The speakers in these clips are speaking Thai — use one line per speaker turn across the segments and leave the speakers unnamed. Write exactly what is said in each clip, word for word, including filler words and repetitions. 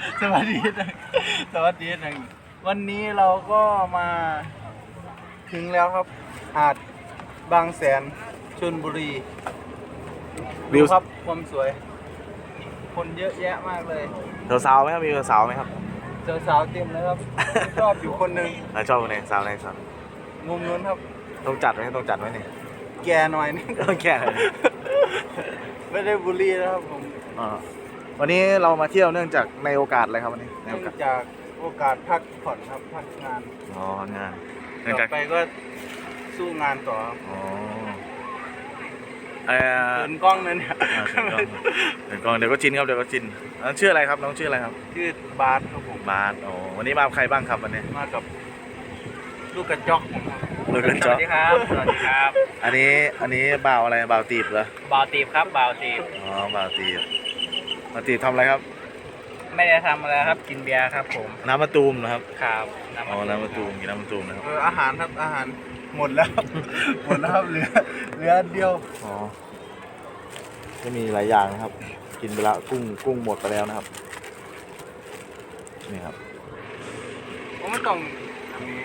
สวัสดีนะสวัสดีนะวันนี้เราก็มาถึงแล้วครับหาดบางแสนชลบุรีดูครับความสวย คนเยอะแยะมากเลย
สาวๆไหมครับมีสาวไหมครับ
เจอสาวเต็มเลยครับ ชอบอยู่คนหนึ่ง
ชอบคนไหนสาวไหนสาว
มุมนู้นครับ
ต้องจัดไหมต้องจัดไหมเนี่ย
แกหน่อยนี่
ต้องแก่เลย
ไม่ได้บูลลี่นะครับผม
อ่าวันนี้เรามาเที่ยวเนื่องจากในโอกาสอะไรครับวันนี้ใน
เนื่
โอ
อง
กาส
จากโอกาสพักผ่อนครับพักงาน
อ๋องานเนื่อง
ต่
จาก
อไปก็สู้งานต่อครับ
อ๋อเอ่อ
เดินกล้องนั่นเนี่ย
อ่าเดี๋ยวกล้องเดี๋ยวก็ชินครับเดี๋ยวก็ชินน้องชื่ออะไรครับน้องชื่ออะไรครับ
ชื่อบาสครับผม
บาสอ๋อวันนี้มากับใครบ้างครับวันนี้
มากับลูกกระจอกผมครับ
ลูกกระจอก
สวัสดีครับ สวัสดีครับ
อันนี้อันนี้บ่าวอะไรบ่าวตีบเหรอ
บ่าวตีบครับบ่าวตีบ
อ๋อบ่าวตีบบ่าวตีบทำอะไรครับ
ไม่ได้ทำอะไรครับ กินเบียร์ครับผม
น้ำมะตูมนะครับ
ครับน้ำ
อ๋อ
มัน
น้ำมะตูมกินน้ำมะตูมนะครับ
เอออาหารครับอาหารหมดแล้ว หมดแล้วครับเหลือเหลืออันเดียว
อ๋อก็มีหลายอย่างนะครับ กินไปแล้วกุ้งกุ้งหมดไปแล้วนะครับนี่ครับ
ผมไม่ต้องอันนี้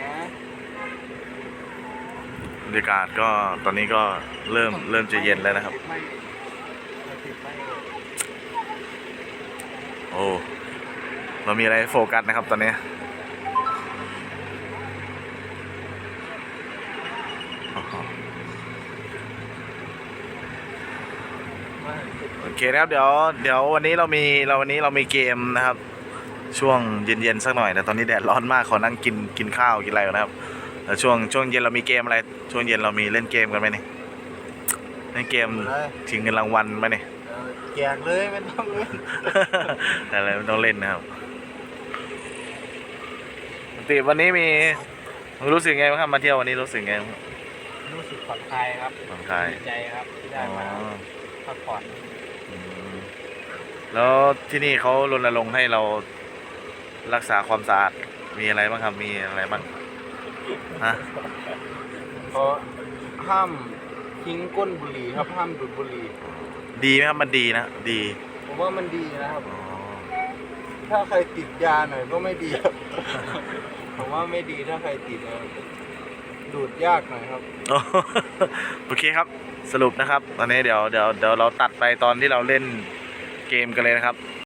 บรรยากาศก็ตอนนี้ก็เริ่มเริ่มจะเย็นแล้วนะครับ
ไม่ไม่ติดไม่
โอ้เรามีอะไรให้โฟกัสนะครับตอนนี้อ๋อโอเคนะครับเดี๋ยวเดี๋ยววันนี้เรามีเราวันนี้เรามีเกมนะครับ ช่วงเย็นๆสักหน่อยแต่ตอนนี้แดดร้อนมากขอนั่งกินกินข้าวกินอะไรก่อนนะครับแล้วช่วงช่วงเย็นเรามีเกมอะไรช่วงเย็นเรามีเล่นเกมกันไหมนี่เล่นเกมชิงเงินรางวัลไหมนี่
เออแจกเลยไม่ต้องเลย
แต่อะไรไม่ต้องเล่นนะครับปกติวันนี้มีรู้สึกไงบ้างครับมาเที่ยววันนี้รู้สึกไงบ้าง
รู้สึกผ่อนคลายครับ
ผ่อนคลาย
ดีใจครับที่ได้
อ๋อ
มาพักผ่อน
อืมแล้วที่นี่เขารณรงค์ให้เรารักษาความสะอาดมีอะไรบ้างครับมีอะไรบ้างฮะ
เพราะห้ามทิ้งก้นบุหรี่ครับห้ามดูดบุหรี่
ดีไหมครับมันดีนะดี
ผมว่ามันดีนะครับ
อ๋อ
ถ้าใครติดยาหน่อยก็ไม่ดีครับ ผมว่าไม่ดีถ้าใครติดนะดูดยากหน่อยครับ
โอเคครับสรุปนะครับตอนนี้เดี๋ยวเดี๋ยวเดี๋ยวเราตัดไปตอนที่เราเล่นเกมกันเลยนะครับ